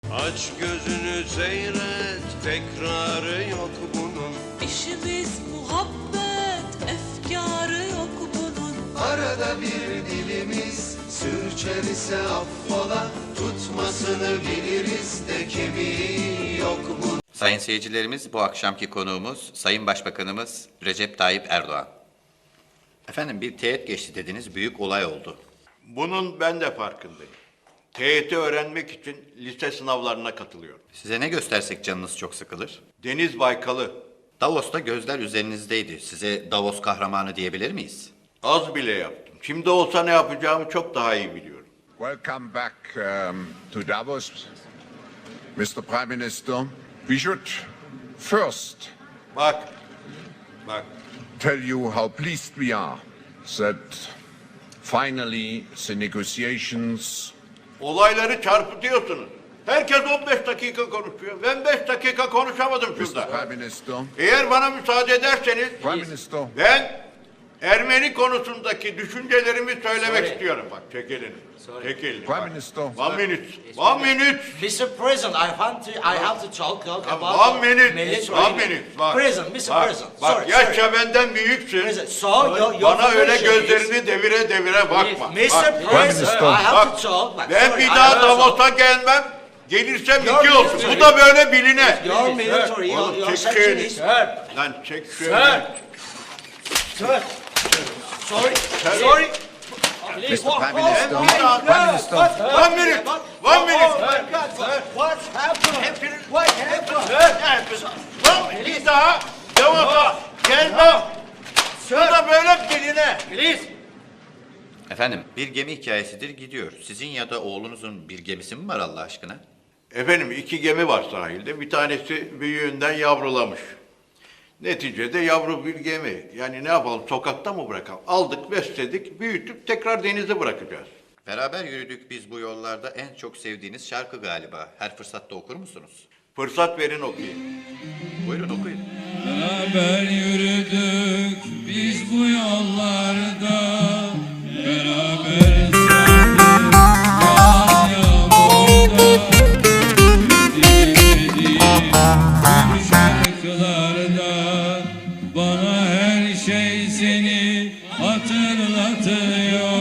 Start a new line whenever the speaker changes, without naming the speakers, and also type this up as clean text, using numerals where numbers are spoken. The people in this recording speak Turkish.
Aç gözünü seyret, tekrarı yok bunun.
İşimiz muhabbet, efkarı yok bunun.
Arada bir dilimiz sürçer ise affola, tutmasını biliriz de kemiği yok bunun.
Sayın seyircilerimiz, bu akşamki konuğumuz Sayın Başbakanımız Recep Tayyip Erdoğan. Efendim, bir teğet geçti dediniz, büyük olay oldu.
Bunun ben de farkındayım. TYT öğrenmek için lise sınavlarına katılıyorum.
Size ne göstersek canınız çok sıkılır.
Deniz Baykal'ı
Davos'ta gözler üzerinizdeydi. Size Davos kahramanı diyebilir miyiz?
az bile yaptım. Şimdi olsa ne yapacağımı çok daha iyi biliyorum.
Welcome back to Davos, Mr. Prime Minister. We should first
Bak,
tell you how pleased we are that finally the negotiations
olayları çarpıtıyorsunuz. Herkes 15 dakika konuşuyor. Ben 5 dakika konuşamadım
Mr.
şurada.
Prime Minister,
Eğer bana müsaade ederseniz
Prime Minister,
ben Ermeni konusundaki düşüncelerimi söylemek istiyorum. Bak, çek elini. Çek elini.
Prime
bak.
Minister.
One minute.
Mr. President, I have to talk about
One minute.
military.
One minute. Bak.
President, Mr.
Bak,
President.
Bak,
sorry,
yaşça benden büyüksün.
President, so your
Bana öyle
position is-
gözlerini devire bakma.
Mr.
Bak,
President, I have
bak,
to talk. Bak,
ben
sorry,
bir
I
daha
have to talk.
Davos'a gelmem. Gelirsem
Your
2 olsun.
military-
Bu da böyle biline.
Your military,
Oğlum,
your
çek
section
şöyle.
is...
Lan çek
Sir.
şöyle.
Sir. Sorry.
Mr. Prime Minister, Prime Minister,
One minute.
What's happening?
Lan bir daha Davos'a gelmem. Bu da böyle biline.
Efendim, bir gemi hikayesidir gidiyor. Sizin ya da oğlunuzun bir gemisi mi var Allah aşkına?
Efendim 2 gemi var sahilde. Bir tanesi büyüğünden yavrulamış. Neticede yavru bir gemi. Yani ne yapalım, sokakta mı bırakalım? Aldık, besledik, büyütüp tekrar denize bırakacağız.
Beraber yürüdük biz bu yollarda, en çok sevdiğiniz şarkı galiba. Her fırsatta okur musunuz?
Fırsat verin okuyayım.
Buyurun okuyun.
Beraber yürüdük biz bu yollarda, beraber sardık yağan yağmurda, dinlediğim bu şarkılarda bana her şey seni hatırlatıyor.